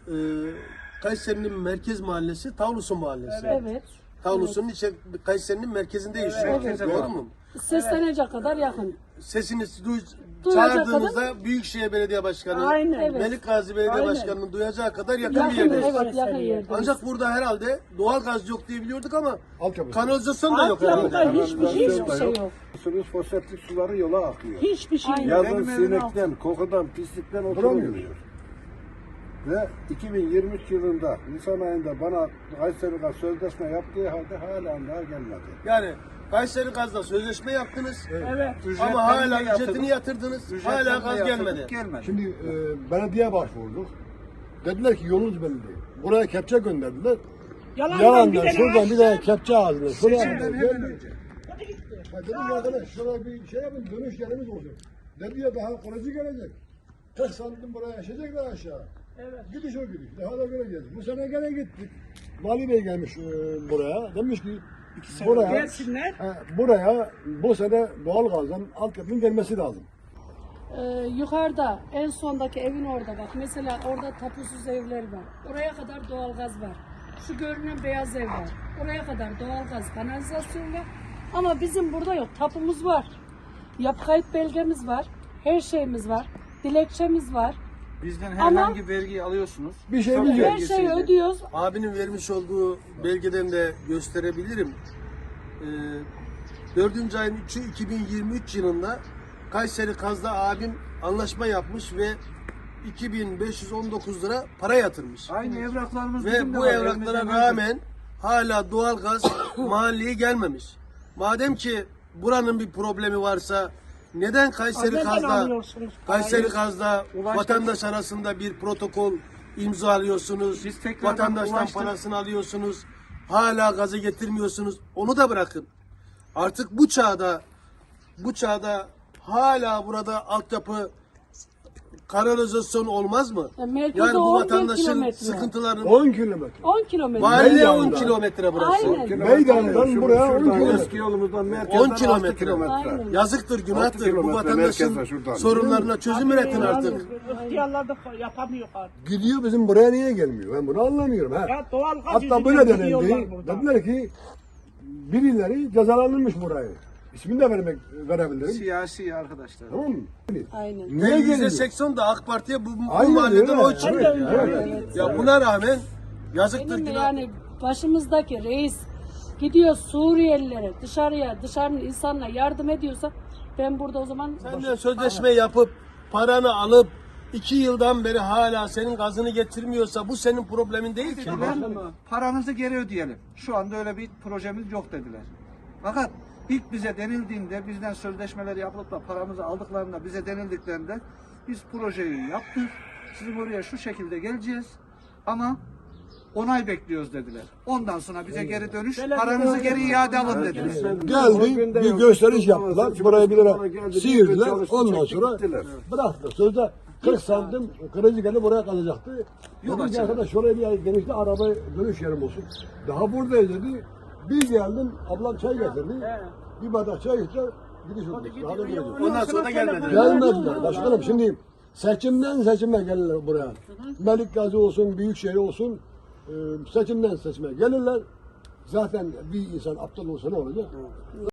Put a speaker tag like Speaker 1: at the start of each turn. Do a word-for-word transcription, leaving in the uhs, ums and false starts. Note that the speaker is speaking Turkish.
Speaker 1: e, Kayseri'nin merkez mahallesi Tavlusu Mahallesi.
Speaker 2: Evet.
Speaker 1: Tavlusu'nun içe Kayseri'nin merkezinde yaşıyor.
Speaker 2: Evet.
Speaker 1: Doğru mu?
Speaker 2: Seslenecek kadar yakın.
Speaker 1: Sesinizi duy,
Speaker 2: Duyacak
Speaker 1: çağırdığınızda Büyükşehir Belediye Başkanı,
Speaker 3: Aynen.
Speaker 2: Evet.
Speaker 1: Melik Gazi Belediye
Speaker 3: Aynen.
Speaker 1: Başkanı'nın duyacağı kadar yakın bir
Speaker 2: Yakın,
Speaker 1: yerdeyiz.
Speaker 2: evet, yakın yerdeyiz.
Speaker 1: Ancak burada herhalde doğal gaz yok diye biliyorduk ama
Speaker 4: Altyapı.
Speaker 1: kanalizasyon da yok
Speaker 3: Altyapıda
Speaker 1: herhalde.
Speaker 3: hiçbir şey yok.
Speaker 2: Hiçbir şey yok.
Speaker 4: Suyun foseptik suları yola akıyor.
Speaker 3: Hiçbir şey
Speaker 2: Aynen.
Speaker 3: yok.
Speaker 4: Yazın
Speaker 3: Benim evin altı.
Speaker 4: sinekten, kokudan, pislikten oturamıyor. Ve iki bin yirmi üç yılında Nisan ayında bana Kayseri Gaz sözleşme yaptığı halde hala daha gelmedi.
Speaker 1: Yani Kayseri Gaz'la sözleşme yaptınız
Speaker 3: Evet.
Speaker 1: ama hala ücretini yatırdınız, hala gaz gelmedi.
Speaker 4: Şimdi e, belediye başvurduk. Dediler ki yolunuz belli değil. Buraya kepçe gönderdiler.
Speaker 3: Yalandan,
Speaker 4: Yalandan
Speaker 3: bir de
Speaker 4: şuradan bir de kepçe ağzına. Şuraya
Speaker 3: Seçimden
Speaker 4: geldi.
Speaker 3: hemen önce.
Speaker 4: Ha, dedim arkadaş şuraya bir şey yapın, dönüş yerimiz olsun. Dedi ya daha kalıcı gelecek. kırk santim buraya yaşayacaklar aşağı.
Speaker 3: Evet.
Speaker 4: Gidiş o gidiş. Daha da göreceğiz. Bu sene gene gittik. Vali Bey gelmiş e, buraya. Demiş ki buraya,
Speaker 3: Gelsinler.
Speaker 4: e, buraya bu sene doğalgazdan altyapının gelmesi lazım.
Speaker 2: Ee, yukarıda en sondaki evin orada bak. Mesela orada tapusuz evler var. Oraya kadar doğalgaz var. Şu görünen beyaz ev var. Oraya kadar doğalgaz, kanalizasyon var. Ama bizim burada yok. Tapumuz var. Yapı kayıt belgemiz var. Her şeyimiz var. Dilekçemiz var.
Speaker 5: Bizden
Speaker 2: Ama-
Speaker 5: herhangi vergi alıyorsunuz.
Speaker 4: Bir şeyimiz yok.
Speaker 2: Her şeyi ödüyoruz.
Speaker 1: Abinin vermiş olduğu belgeden de gösterebilirim. Ee, dördüncü ayın üçü iki bin yirmi üç yılında Kayseri Gaz'da abim anlaşma yapmış ve iki bin beş yüz on dokuz lira para yatırmış.
Speaker 5: Aynı evraklarımız bizim
Speaker 1: Ve
Speaker 5: de
Speaker 1: bu
Speaker 5: var,
Speaker 1: evraklara
Speaker 5: elimizde mevcut.
Speaker 1: rağmen hala doğalgaz mahalleye gelmemiş. Madem ki buranın bir problemi varsa neden Kayseri
Speaker 3: Neden
Speaker 1: Gaz'da
Speaker 3: alıyorsunuz
Speaker 1: Kayseri Gaz'da
Speaker 5: Ulaştırma-
Speaker 1: vatandaş arasında bir protokol imzalıyorsunuz.
Speaker 5: Biz tekrardan
Speaker 1: Vatandaştan
Speaker 5: ulaştır-
Speaker 1: parasını alıyorsunuz. Hala gazı getirmiyorsunuz. Onu da bırakın. Artık bu çağda bu çağda hala burada altyapı kanalizasyon olmaz mı?
Speaker 2: Ya merkeze
Speaker 1: Yani bu
Speaker 2: on bin
Speaker 1: vatandaşın
Speaker 2: kilometre.
Speaker 1: sıkıntılarını
Speaker 4: on kilometre.
Speaker 2: on kilometre.
Speaker 1: valiliğe on
Speaker 4: Meydandan.
Speaker 1: kilometre burası.
Speaker 2: Aynen.
Speaker 4: Meydandan buraya on
Speaker 6: Şuradan
Speaker 4: kilometre.
Speaker 6: eski yolumuzdan merkezden
Speaker 1: on
Speaker 6: altı
Speaker 1: kilometre.
Speaker 6: kilometre.
Speaker 2: Aynen.
Speaker 1: Yazıktır,
Speaker 6: Altı
Speaker 1: günahtır. Bu
Speaker 6: kilometre
Speaker 1: vatandaşın
Speaker 6: merkezde şuradan.
Speaker 1: sorunlarına çözüm üretin artık.
Speaker 3: İhtiyarlar da yapamıyor artık.
Speaker 4: Gidiyor bizim buraya niye gelmiyor? Ben bunu anlamıyorum. Ha.
Speaker 3: Ya doğal gaz
Speaker 4: Hatta
Speaker 3: yüzünden
Speaker 4: böyle
Speaker 3: gidiyorlar
Speaker 4: denendi.
Speaker 3: buradan.
Speaker 4: Dediler ki birileri cezalandırmış burayı. İsmini de vermek, verebilirim.
Speaker 5: Siyasi arkadaşlar.
Speaker 4: Tamam mı?
Speaker 2: Aynen.
Speaker 4: Niye
Speaker 1: yüzde
Speaker 4: geliyor?
Speaker 1: seksen de AK Parti'ye bu, bu
Speaker 4: Aynen
Speaker 1: mahallede
Speaker 4: öyle.
Speaker 1: oy çıkıyor.
Speaker 4: Evet,
Speaker 3: Evet.
Speaker 4: evet.
Speaker 1: Ya buna rağmen yazıktır,
Speaker 2: Benim de
Speaker 1: günah.
Speaker 2: yani başımızdaki reis gidiyor Suriyelilere dışarıya dışarının insanına yardım ediyorsa ben burada o zaman
Speaker 1: Sen de sözleşme yapıp paranı alıp iki yıldan beri hala senin gazını getirmiyorsa bu senin problemin değil ki.
Speaker 5: Ben paranızı geri ödeyelim. Şu anda öyle bir projemiz yok dediler. Fakat ilk bize denildiğinde, bizden sözleşmeleri yapılıp da paramızı aldıklarında bize denildiklerinde biz projeyi yaptık. Sizin oraya şu şekilde geleceğiz ama onay bekliyoruz dediler. Ondan sonra bize geri dönüş, paranızı geri iade alın dediler.
Speaker 4: Geldi, bir gösteriş yaptılar. Buraya bir lira sıyırdılar. Ondan sonra bıraktılar. Sözde kırk santim kırıcı geldi buraya kalacaktı. Dedim ki arkadaş şuraya bir genişte araba dönüş yerim olsun. Daha buradayız dedi. Bir geldim, ablam çay getirdi. Bir bardak çay getirdi. Gidiş oldu. Daha da geleceğiz.
Speaker 1: Ondan sonra da gelmedi.
Speaker 4: Gelmediler başkanım. Şimdi seçimden seçime gelirler buraya. Melik Gazi olsun, Büyükşehir olsun, e, seçimden seçime gelirler. Zaten bir insan aptal olsa ne olacak?